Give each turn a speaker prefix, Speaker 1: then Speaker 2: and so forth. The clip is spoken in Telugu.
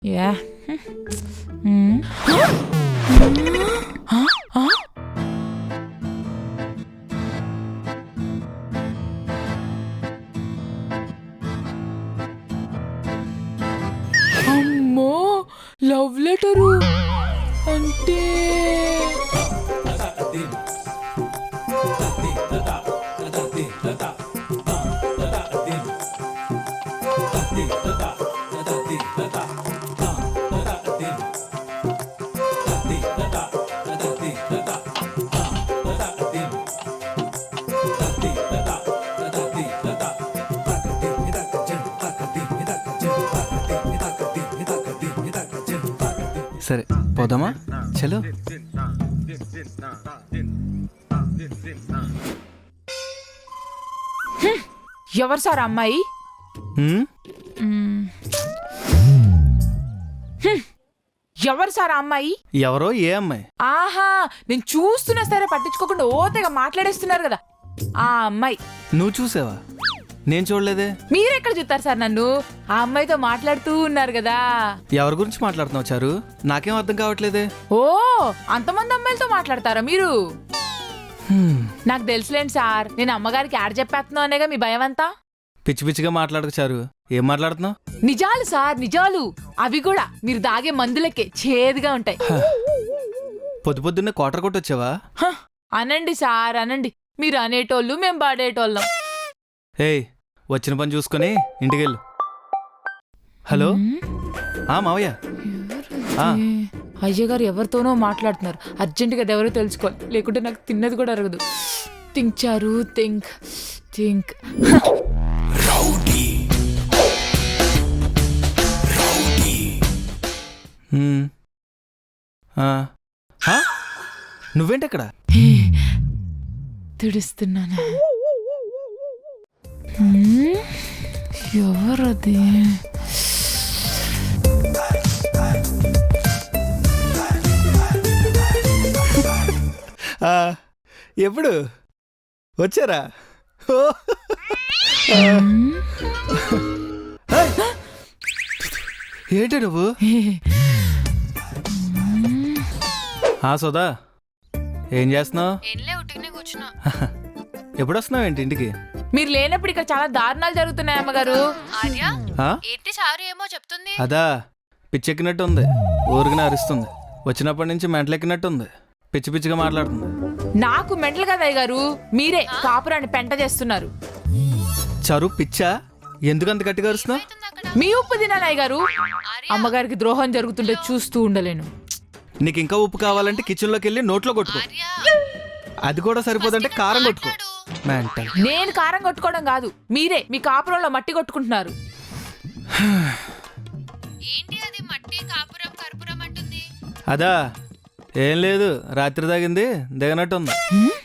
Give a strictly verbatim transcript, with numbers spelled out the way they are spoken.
Speaker 1: యా హ్మ్. ఆ? ఆ? అమ్మో లవ్ లెటరు అంటే
Speaker 2: సరే పోదామా చలో.
Speaker 1: ఎవరు సార్ అమ్మాయి?
Speaker 2: హ్మ్?
Speaker 1: మ్మ్. హ్మ్. ఎవరు సార్ అమ్మాయి?
Speaker 2: ఎవరో ఏ అమ్మాయి?
Speaker 1: ఆహా నేను చూస్తున్నా సరే పట్టించుకోకుండా ఓతగా మాట్లాడేస్తున్నారు కదా ఆ అమ్మాయి.
Speaker 2: నువ్వు చూసావా? నేను చూడలేదే.
Speaker 1: మీరెక్కడ చూస్తారు సార్ నన్ను? ఆ అమ్మాయితో మాట్లాడుతూ ఉన్నారు కదా.
Speaker 2: ఎవరి గురించి మాట్లాడుతున్నావు చారు? నాకేం అర్థం కావట్లేదే.
Speaker 1: ఓ అంతమంది అమ్మాయిలతో మాట్లాడతారా మీరు?
Speaker 2: హ్మ్.
Speaker 1: నాకు తెలుసులేండి సార్, నేను అమ్మగారికి యాడ్ చెప్పేస్తున్నావు అనేగా మీ భయం అంతా.
Speaker 2: పిచ్చి పిచ్చిగా మాట్లాడకు చారు. ఏం మాట్లాడుతున్నావు?
Speaker 1: నిజాలు సార్ నిజాలు, అవి కూడా మీరు దాగే మందులకే చేదుగా ఉంటాయి.
Speaker 2: పొద్దు పొద్దున్నే కోటర్ కొట్టొచ్చావా?
Speaker 1: హ, అనండి సార్ అనండి, మీరు అనేటోళ్ళు మేం పాడేటోళ్ళం.
Speaker 2: ఏయ్ వచ్చిన పని చూసుకొని ఇంటికెళ్ళు. హలో ఆ మావయ్య. ఆ.
Speaker 1: అయ్యగారు ఎవరితోనో మాట్లాడుతున్నారు, అర్జెంటుగా అది ఎవరో తెలుసుకోవాలి, లేకుంటే నాకు తిన్నది కూడా అరగదు. థింక్ చారు థింక్ థింక్.
Speaker 2: హ్మ్. ఆ. ఆ? నువ్వేంటక్కడ?
Speaker 1: తుడుస్తున్నాను. హ్మ్? ఎవరది?
Speaker 2: ఆ, ఎప్పుడు వచ్చారా? ఓ!
Speaker 1: హ్మ్?
Speaker 2: ఏంటి నువ్వు? ఆ సుధా ఏం చేస్తున్నావు? ఎప్పుడు వస్తున్నావు ఏంటి ఇంటికి?
Speaker 1: మీరు లేనప్పుడు ఇక్కడ చాలా దారుణాలు జరుగుతున్నాయి అమ్మగారు.
Speaker 2: ఆ?
Speaker 3: ఏంటి చారు ఏమో చెప్తుంది?
Speaker 2: అదా పిచ్చెక్కినట్టు ఉంది, ఊరికిన అరుస్తుంది. వచ్చినప్పటి నుంచి మెంటలెక్కినట్టు ఉంది, పిచ్చి పిచ్చిగా మాట్లాడుతుంది.
Speaker 1: నాకు మెంటల్ కదా అయ్యగారు, మీరే కాపురాన్ని పెంట చేస్తున్నారు.
Speaker 2: చరు పిచ్చా? ఎందుకంత గట్టిగా అరుస్తున్నావు?
Speaker 1: మీ ఉప్పు తినాలి అయ్యగారు. అమ్మగారికి ద్రోహం జరుగుతుంటే చూస్తూ ఉండలేను.
Speaker 2: నీకు ఇంకా ఉప్పు కావాలంటే కిచెన్లోకి వెళ్ళి నోట్లో కొట్టుకో. అది కూడా సరిపోదంటే కారం కొట్టుకో. మెంటల్.
Speaker 1: నేను కారం కొట్టుకోవడం కాదు, మీరే మీ కాపురంలో మట్టి కొట్టుకుంటున్నారు.
Speaker 3: ఏంటి అది మట్టి కాపురం కర్పూరం అంటుంది?
Speaker 2: అదా ఏం లేదు, రాత్రి తాగింది దిగనట్టు ఉంది.